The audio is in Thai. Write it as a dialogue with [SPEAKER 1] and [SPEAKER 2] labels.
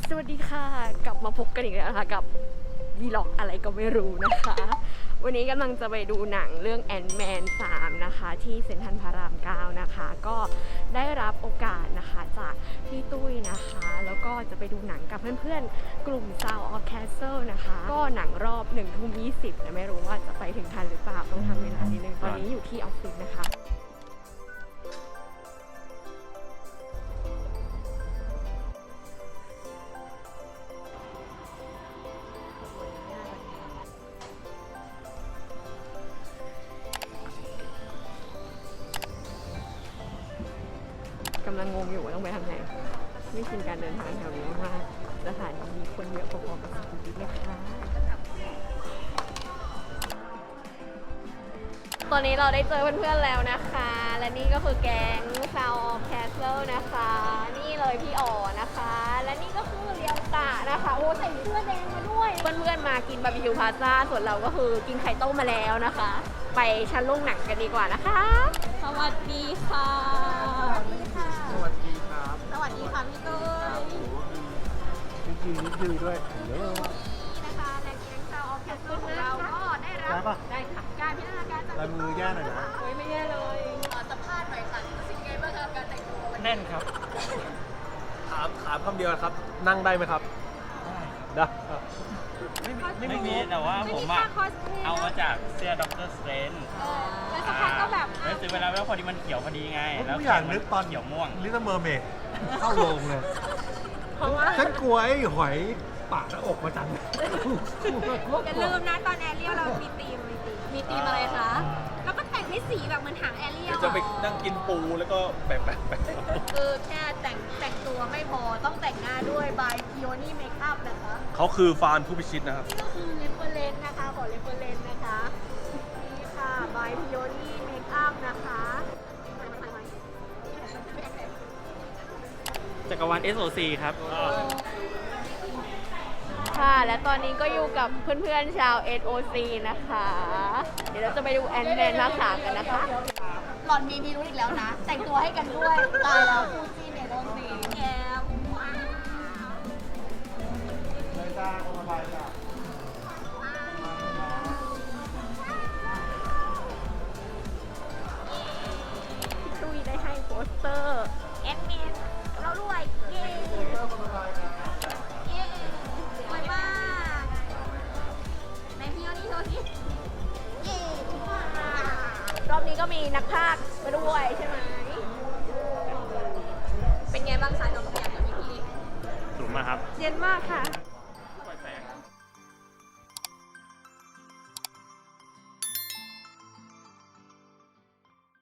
[SPEAKER 1] สวัสดีค่ะกลับมาพบกันอีกแล้วนะคะกับวีล็อกอะไรก็ไม่รู้นะคะ วันนี้กำลังจะไปดูหนังเรื่องแอนด์แมน3นะคะที่เซ็นทรัลพระราม9นะคะก็ได้รับโอกาสนะคะจากพี่ตุ้ยนะคะแล้วก็จะไปดูหนังกับเพื่อนๆกลุ่ม Sound of Castle นะคะก็หนังรอบ1:20แต่ไม่รู้ว่าจะไปถึงทันหรือเปล่าต้องทำเวลานิดนึงตอนนี้อยู่ที่ออฟฟิศนะคะกำลังงงอยู่ว่าต้องไปทางไหนไม่ชินการเดินทางแถวนี้มากสถานีมีคนเยอะพอๆกับสุขุมวิทเลยค่ะตอนนี้เราได้เจอเพื่อนๆแล้วนะคะและนี่ก็คือแก๊ง Sound of Castle นะคะนี่เลยพี่อ๋อนะคะและนี่ก็คือเรียวตะนะคะโอ้ใส่เสื้อแดงมาด้วยเพื่อนๆมากินบาร์บีคิวพาซ่าส่วนเราก็คือกินไข่ต้มมาแล้วนะคะไปชั้นโรงหนังกันดีกว่านะคะสวัสดีค่ะสวัสดีค่ะ
[SPEAKER 2] สวัสดีครับ
[SPEAKER 1] สวัสดีค่ะพี่ตุ้ย
[SPEAKER 2] นิดนึงด้วยเยอะ
[SPEAKER 1] นี่นะคะและแก๊ง Sound of Castle ของเราก็ได้รับ
[SPEAKER 2] ได้ปะ
[SPEAKER 1] ได้ค่ะการพิจารณาการจาก
[SPEAKER 2] ลายมือย่าหน่อยนะ
[SPEAKER 1] โอ้ยไม่แย่เลยขอสัมภาษณ์หน่อยค่ะรู้สึกไงบ้างครับการแต่งตัววันนี้
[SPEAKER 2] แน่นครับ ถามคำเดียวครับ นั่งได้ไหมครับ ได้ครับ
[SPEAKER 3] ไม่มีแต่ว่าผมอะเอามาจากเสื้อด็อกเตอร์สเตรน
[SPEAKER 1] แล้วสักพักก็แบบ
[SPEAKER 3] แล้วซื้อไปแล้วพอดีมันเขียวพอดีไง แล้ว
[SPEAKER 2] ผู้อยากนึกตอน
[SPEAKER 3] เขียวม่วง
[SPEAKER 2] ลิตเติ้ลเมอร์เมดเข้าโรงเลย
[SPEAKER 1] เพราะว่า
[SPEAKER 2] ฉันกลัวไอ้หอยปากหน้าอกมาจัง
[SPEAKER 4] อย่าลืมนะตอนแอเรียลเรามีธีม
[SPEAKER 1] มีธีมอะไรคะ
[SPEAKER 4] แล้วก็แต่งให้สีแบบเหมือนหางแอเรียล
[SPEAKER 2] จะไปนั่งกินปูแล้วก็แบบ
[SPEAKER 1] คือแค่แต่งตัวไม่พอต้องแต่งหน้าด้วย by Peony Makeup นะคะ
[SPEAKER 2] เขาคือฟานผู้พิชิตนะครับ
[SPEAKER 1] นี่ก็คือ reference นะคะขอ reference นะคะนี่ค่ะ by Peony Makeup นะคะ
[SPEAKER 3] จักรวาล SOC ครับ
[SPEAKER 1] ค่ะและตอนนี้ก็อยู่กับเพื่อนๆชาว SOC นะคะ เดี๋ยวเราจะไปดูแอนแมนภาค3กันนะคะ
[SPEAKER 4] หล่อนมีพิรุธอีกแล้วนะ แต่งตัวให้กันด้วย ตายแล้วคู่จีนเนี่ยโดนสีแก้มว้าว
[SPEAKER 1] พี่ตุ้ยได้ให้โปสเตอร์
[SPEAKER 4] แอดมินเรารวย เย้เย้รวยมากในพี่โยนี่โชว์สิเย้
[SPEAKER 1] รอบนี้ก็มีนักพากย์มาด้วยใช่ไหม
[SPEAKER 4] เป็นไงบ้างสายลมเปียกกับพี่
[SPEAKER 3] สูงมากครับ
[SPEAKER 1] เย็นมากค่ะ
[SPEAKER 4] ๆ